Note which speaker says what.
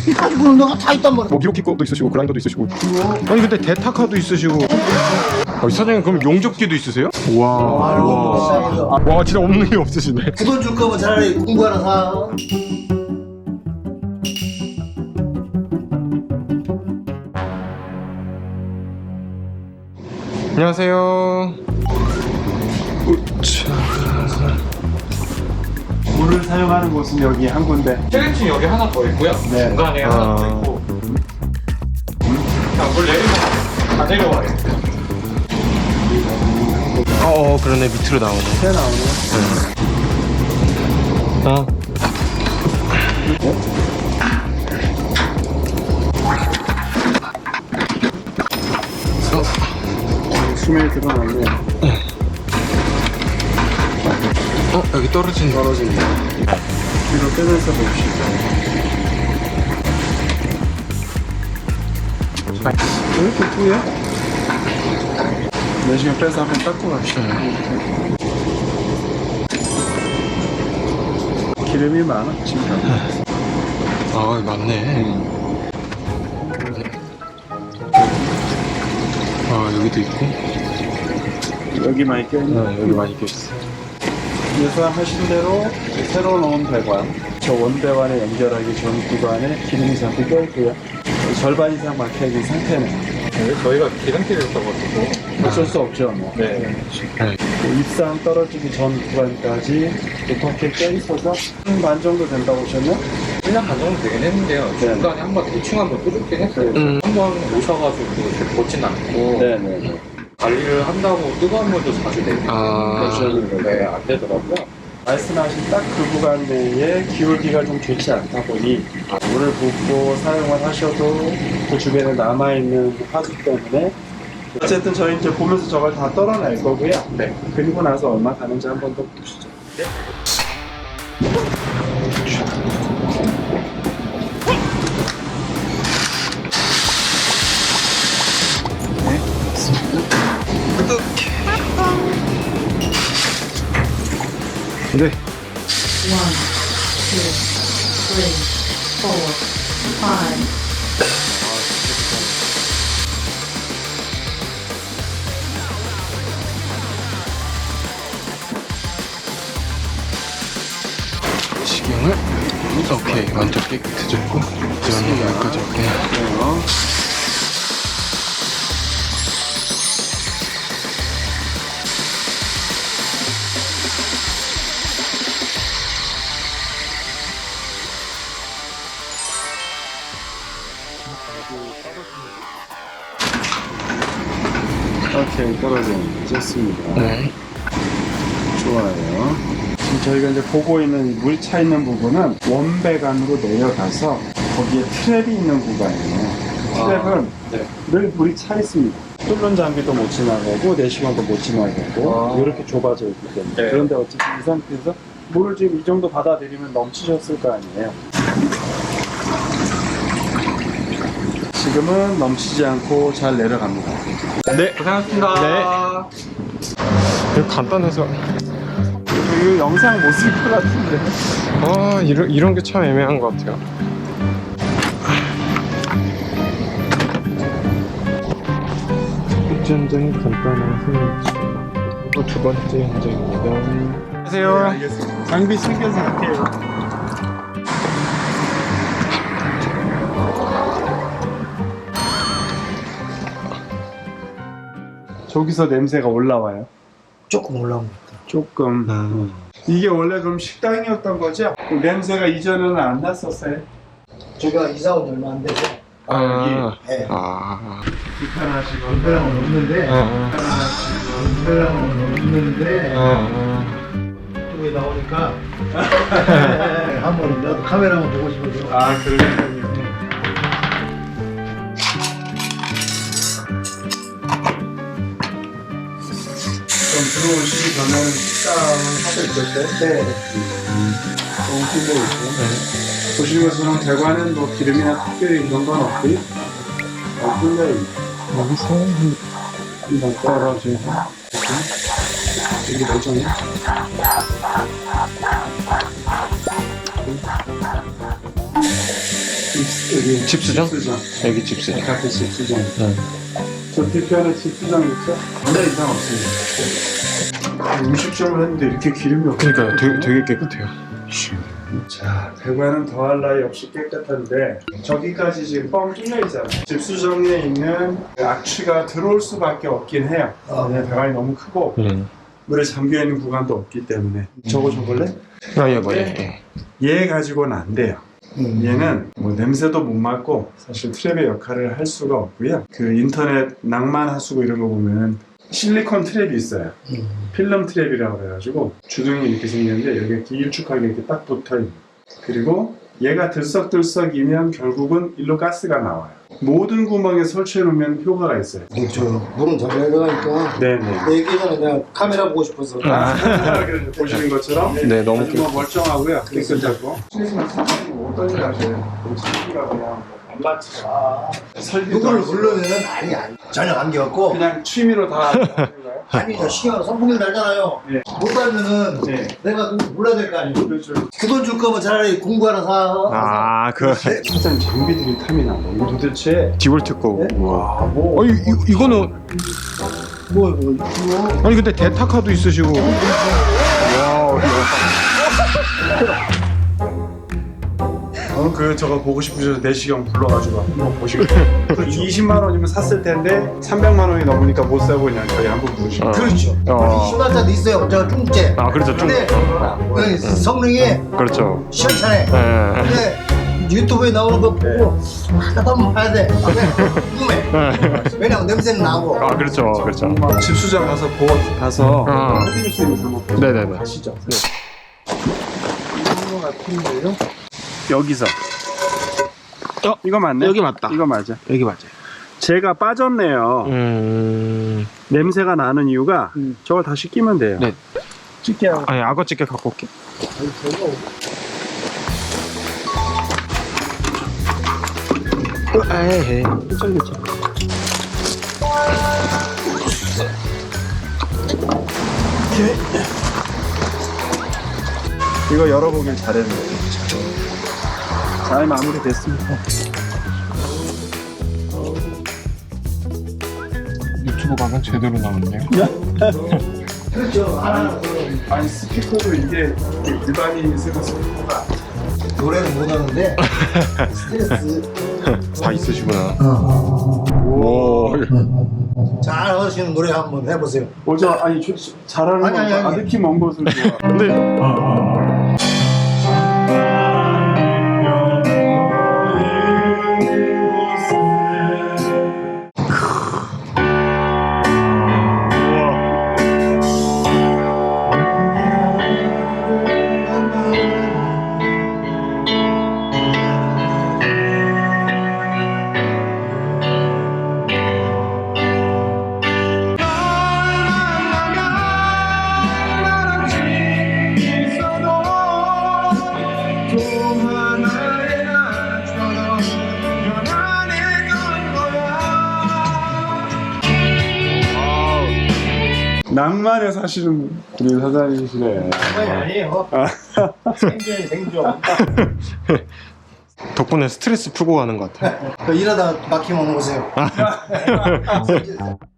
Speaker 1: 가지고 있는 거가 다 있단 말이야.
Speaker 2: 뭐 미로키 것도 있으시고 그라인더도 있으시고. 아니 근데 대타카도 있으시고. 사장님 그럼 용접기도 있으세요? 와. 와 진짜 없는 게 없으시네.
Speaker 1: 그 돈 줄 거면 차라리 공부 하나 사.
Speaker 2: 안녕하세요.
Speaker 3: 물을 사용하는 곳은 여기 한 군데.
Speaker 4: 텔레층 여기 하나 더 있고요.
Speaker 3: 네.
Speaker 4: 중간에 하나 더 있고. 그냥 물 내리면 다 내려와요.
Speaker 2: 그러네 밑으로 나오네.
Speaker 3: 새 나오네요. 수면이 들어갔네.
Speaker 2: 여기 떨어진다.
Speaker 3: 떨어진다. 뒤로 빼면서 봅시다. 왜 이렇게 뿌예? 내시경 빼서 한번 닦고 갑시다. 기름이 많아, 지금.
Speaker 2: 맞네. 여기도 있고.
Speaker 3: 여기 많이 껴있네.
Speaker 2: 여기 많이 껴있어.
Speaker 3: 예상하신 대로 새로 넣은 배관, 저 원배관에 연결하기 전 구간에 기름이 잠깐 껴있고요. 절반 이상 막혀있는 상태네요.
Speaker 4: 저희가 기름기를 써가지고.
Speaker 3: 어쩔 수 없죠. 뭐.
Speaker 4: 네.
Speaker 3: 입상 떨어지기 전 구간까지 이렇게 껴있어서 반 정도 된다고 보셨나요?
Speaker 4: 1년 반 정도 되긴 했는데요. 중간에 한번 대충 한번 뚫긴 했어요. 한번 오셔가지고 벗진 않고.
Speaker 3: 네네네.
Speaker 4: 관리를 한다고 뜨거운 물도 자주 내고. 네, 안 되더라고요.
Speaker 3: 말씀하신 딱 그 구간 내에 기울기가 좀 좋지 않다 보니 물을 붓고 사용을 하셔도 그 주변에 남아있는 화수 때문에 어쨌든 저희 이제 보면서 저걸 다 떨어낼 거고요.
Speaker 4: 네.
Speaker 3: 그리고 나서 얼마 가는지 한번 더 보시죠.
Speaker 4: 네.
Speaker 2: 네.
Speaker 5: 1, 2, 3, 4, 5.
Speaker 2: 시경을 오케이 완전 깨끗해졌고 이런 여기까지 올게요.
Speaker 3: 오케이, 떨어지는 좋습니다.
Speaker 2: 네.
Speaker 3: 좋아요. 지금 저희가 이제 보고 있는 물 차 있는 부분은 원배관으로 내려가서 거기에 트랩이 있는 구간이에요. 트랩은
Speaker 4: 네.
Speaker 3: 늘 물이 차 있습니다. 뚫는 장비도 못 지나가고 내시경도 못 지나가고 이렇게 좁아져 있기 때문에.
Speaker 4: 네.
Speaker 3: 그런데 어쨌든 이 상태에서 물을 지금 이 정도 받아들이면 넘치셨을 거 아니에요. 지금은 넘치지 않고 잘 내려갑니다.
Speaker 2: 네.
Speaker 4: 고생하셨습니다.
Speaker 2: 네. 이거 간단해서
Speaker 3: 이거 영상 못 쓸 것 같은데.
Speaker 2: 이런 게 참 애매한 것 같아요. 첫째 현장이 간단해서 두 번째 현장입니다. 안녕하세요.
Speaker 3: 알겠습니다. 장비 챙겨서 할게요. 저기서 냄새가 올라와요.
Speaker 1: 조금 올라옵니다.
Speaker 3: 조금. 이게 원래 그럼 식당이었던 거죠? 그 냄새가 이전에는 안 났었어요?
Speaker 1: 제가 이사 온 지 얼마 안 돼서 네.
Speaker 3: 불편하시고.
Speaker 1: 불편함은 없는데 불편함은 없는데 유튜브에 나오니까 한번 나도 카메라 한번 보고 싶어서.
Speaker 3: 아, 그러니까요. 그럼 들어오시기 전에는 식당을 하고 있었어요?
Speaker 1: 네.
Speaker 3: 너무 힘들고 있고. 보시는 것처럼 배관은 뭐 기름이나 특별히 이런 건 없고요. 뚫려 있는.
Speaker 2: 여기서
Speaker 3: 한번 떨어지고. 여기 멀쩡해. 입 여기
Speaker 2: 집수정?
Speaker 3: 집수정.
Speaker 2: 여기 집수정.
Speaker 3: 바깥에 집수정.
Speaker 2: 네.
Speaker 3: 저 뒤편에 집수정 있죠? 네, 이상 없어요. 음식점을 했는데 이렇게 기름이 없어요.
Speaker 2: 그러니까요. 되게 깨끗해요.
Speaker 3: 자, 배관은 더할 나위 없이 깨끗한데 저기까지 지금 뻥 뚫려 있잖아요. 집수정에 있는 악취가 들어올 수밖에 없긴 해요. 네, 배관이 너무 크고 물에 잠겨 있는 구간도 없기 때문에. 저거 줘볼래?
Speaker 2: 아, 예, 맞아요.
Speaker 3: 얘 가지고는 안 돼요. 얘는 뭐 냄새도 못 맡고 사실 트랩의 역할을 할 수가 없고요. 그 인터넷 낭만 하수구 이런 거 보면 실리콘 트랩이 있어요. 필름 트랩이라고 그래가지고 주둥이 이렇게 생겼는데 여기가 길쭉하게 이렇게 딱 붙어있는. 그리고 얘가 들썩들썩이면 결국은 일로 가스가 나와요. 모든 구멍에 설치해 놓으면 효과가 있어요.
Speaker 1: 저 물은 잘 내려가니까
Speaker 3: 네네.
Speaker 1: 얘기 전에 내가 카메라 보고 싶어서
Speaker 3: 보시는 것처럼
Speaker 2: 네, 너무
Speaker 3: 아주 뭐 멀쩡하고요. 깨끗하고. 어떤 일 하세요? CCTV가 그냥 안 맞지. 설비도
Speaker 1: 누구를
Speaker 3: 안 쓰고.
Speaker 1: 부르면은 아니 전혀 관계없고
Speaker 3: 그냥 취미로 다 하는 거예요?
Speaker 1: 아니 저 시간 선풍기를 달잖아요.
Speaker 3: 네.
Speaker 1: 못 달면은
Speaker 3: 네.
Speaker 1: 내가 누구 불러야 될 거 아니에요.
Speaker 3: 그렇죠.
Speaker 1: 그 돈 줄 거면 차라리 공부 하나 사.
Speaker 2: 아, 그
Speaker 3: 사장 장비들이 탐이 나. 뭐 도대체
Speaker 2: 디볼트 거.
Speaker 3: 와, 뭐
Speaker 2: 이거는
Speaker 1: 뭐
Speaker 2: 아니 근데 대타카도 있으시고.
Speaker 3: 그 저거 보고 싶으셔서 내시경 불러가지고 한번 보시고 20만 원이면 샀을 텐데 300만 원이 넘으니까 못 사고 그냥 저희 한번 보시고
Speaker 1: 그렇죠. 신발자도 있어요. 제가 중국제.
Speaker 2: 아, 그렇죠. 좀.
Speaker 1: 근데 성능이
Speaker 2: 그렇죠.
Speaker 1: 시원찮아.
Speaker 2: 네.
Speaker 1: 근데 유튜브에 나오는 거 보고 하나도 한번 봐야 돼. 궁금해. 왜냐면 냄새는 나고.
Speaker 2: 아, 그렇죠. 그렇죠.
Speaker 3: 집수장 가서 해드릴 수 있는 거 한번
Speaker 2: 네네네.
Speaker 3: 가시죠. 이런 거 같은데요? 여기서 이거 맞네?
Speaker 2: 여기 맞다.
Speaker 3: 이거 맞아.
Speaker 2: 여기 맞아요.
Speaker 3: 제가 빠졌네요. 냄새가 나는 이유가 저걸 다시 끼면 돼요.
Speaker 2: 네.
Speaker 3: 찍게 하고.
Speaker 2: 아니, 악어 찌개 갖고 올게. 에이,
Speaker 3: 이거 열어보길 잘했네요. 잘 마무리됐습니다.
Speaker 2: 유튜브 가면 제대로 나왔네요.
Speaker 1: 그렇죠. 하나
Speaker 3: 아니 스피커도 이게 일반인이 쓰는 스피커가
Speaker 1: 노래는 못하는데 스트레스
Speaker 2: 다 있으시구나.
Speaker 1: 어.
Speaker 2: 오.
Speaker 1: 잘 하시는 노래 한번 해보세요.
Speaker 3: 뭐죠? 아니 잘하는
Speaker 1: 아니, 아니,
Speaker 3: 건
Speaker 1: 아니.
Speaker 3: 아득히 먼 곳을 좋아.
Speaker 2: 근데
Speaker 3: 낭만에 사시는 우리 사장님이시네.
Speaker 1: 그건 아니에요. 생존이 생존.
Speaker 2: 덕분에 스트레스 풀고 가는 것 같아요.
Speaker 1: 일하다가 막히면 오세요.